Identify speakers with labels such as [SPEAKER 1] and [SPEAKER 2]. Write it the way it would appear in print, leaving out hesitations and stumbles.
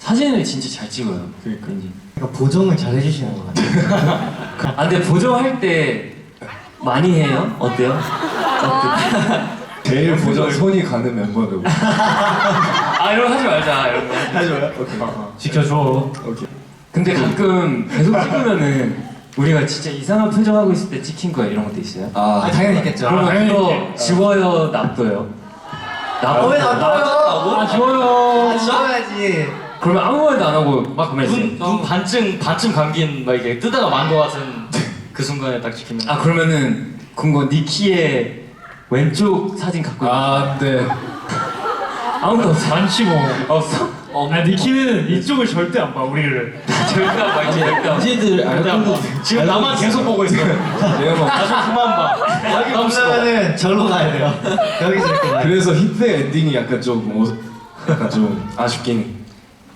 [SPEAKER 1] 사진을 진짜 잘 찍어요. 그러니까
[SPEAKER 2] 보정을 잘 해주시는 것 같아요.
[SPEAKER 1] 아 근데 보정할 때 많이 해요? 어때요?
[SPEAKER 3] 제일 보정 손이 가는 멤버들.
[SPEAKER 1] 아 이런 거 하지 말자 이런 거.
[SPEAKER 3] 하지 마요? 오케이.
[SPEAKER 2] 지켜줘.
[SPEAKER 3] 오케이.
[SPEAKER 1] 근데 가끔 계속 찍으면은 우리가 진짜 이상한 표정하고 있을 때 찍힌 거야 이런 것도 있어요?
[SPEAKER 2] 아, 당연히 있겠죠.
[SPEAKER 1] 그러면 그거 지워요 놔둬요?
[SPEAKER 2] 왜 놔둬요?
[SPEAKER 1] 아 지워요.
[SPEAKER 2] 지워야지.
[SPEAKER 1] 그러면 아무 말도 안 하고
[SPEAKER 4] 막 눈 반쯤 감긴 막 이게 뜨다가 만 거 같은 그 순간에 딱 찍히면.
[SPEAKER 1] 아 그러면은 그거 니키의 왼쪽 사진 갖고
[SPEAKER 3] 아, 네.
[SPEAKER 1] 아무도 없어.
[SPEAKER 5] 많지 뭐.
[SPEAKER 1] 없어?
[SPEAKER 5] 아 니키는 이쪽을 절대 안 봐 우리를.
[SPEAKER 1] 절대 안 봐, 이제 절대 안 봐.
[SPEAKER 3] 이제들 알고
[SPEAKER 4] 지금 나만 계속 보고 있어.
[SPEAKER 3] 내가 막
[SPEAKER 4] 나좀 그만 봐.
[SPEAKER 2] 여기 보려면은 절로 가야 돼요. 여기서 이렇게 가야 돼요.
[SPEAKER 3] 그래서 힙의 엔딩이 약간 좀 약간 좀 아쉽긴.